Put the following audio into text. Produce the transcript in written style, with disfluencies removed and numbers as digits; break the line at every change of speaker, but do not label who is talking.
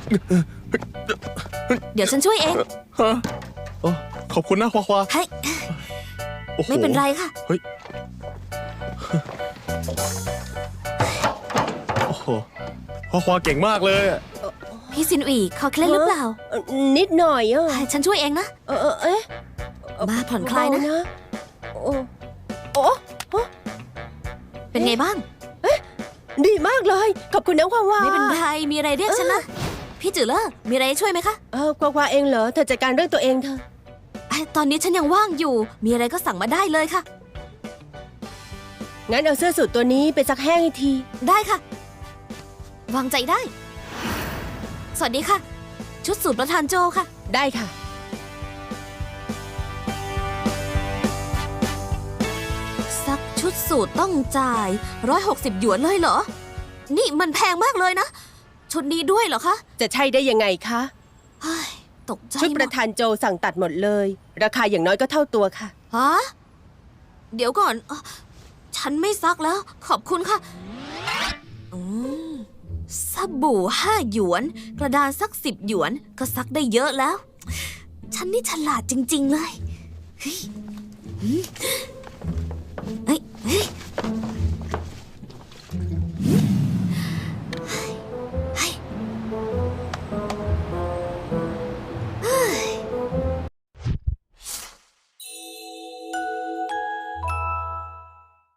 เดี๋ยวฉันช่วยเอง
ฮะโอ้ขอบคุณนะควาควา
เฮ้ย
โอ้โห
ไม่เป็นไรค่ะ
เฮ้ยโอ้โหควาควาเก่งมากเลยอะ
พี่ซินอีคอเคล็ดหรือเปล่า
นิดหน่อยอ่ะ
ให้ฉันช่วยเองนะ
เอ๊ะ
มาผ่อนคลายนะ
เบๆโอ้โอ้โอ้
เป็นไงบ้าง
ดีมากเลย ขอบคุณนะควาวา
ไม่เป็นไร มีอะไรเรียกฉันนะ พี่จือเลอมีอะไรให้ช่วยไหมคะ
ควาเองเหรอ เธอจัดการเรื่องตัวเองเธอ
ตอนนี้ฉันยังว่างอยู่ มีอะไรก็สั่งมาได้เลยค่ะ
งั้นเอาเสื้อสูทตัวนี้ไปซักแห้งอีกที
ได้ค่ะ วางใจได้ สวัสดีค่ะ ชุดสูตรประธานโจค่ะ
ได้ค่ะ
ซักชุดสูตรต้องจ่าย160 หยวนเลยเหรอ นี่มันแพงมากเลยนะ ชุดนี้ด้วยเหรอคะ
จะใช่ได้ยังไงคะ
เฮ้ยตกใจ
ชุดประธานโจสั่งตัดหมดเลย ราคาอย่างน้อยก็เท่าตัวค่ะ
ฮะเดี๋ยวก่อนฉันไม่ซักแล้ว ขอบคุณค่ะอืมสบู่5 หยวน กระดานสัก10 หยวน ก็ซักได้เยอะแล้ว ฉันนี่ฉลาดจริง ๆ เลย เฮ้ยเฮ้ย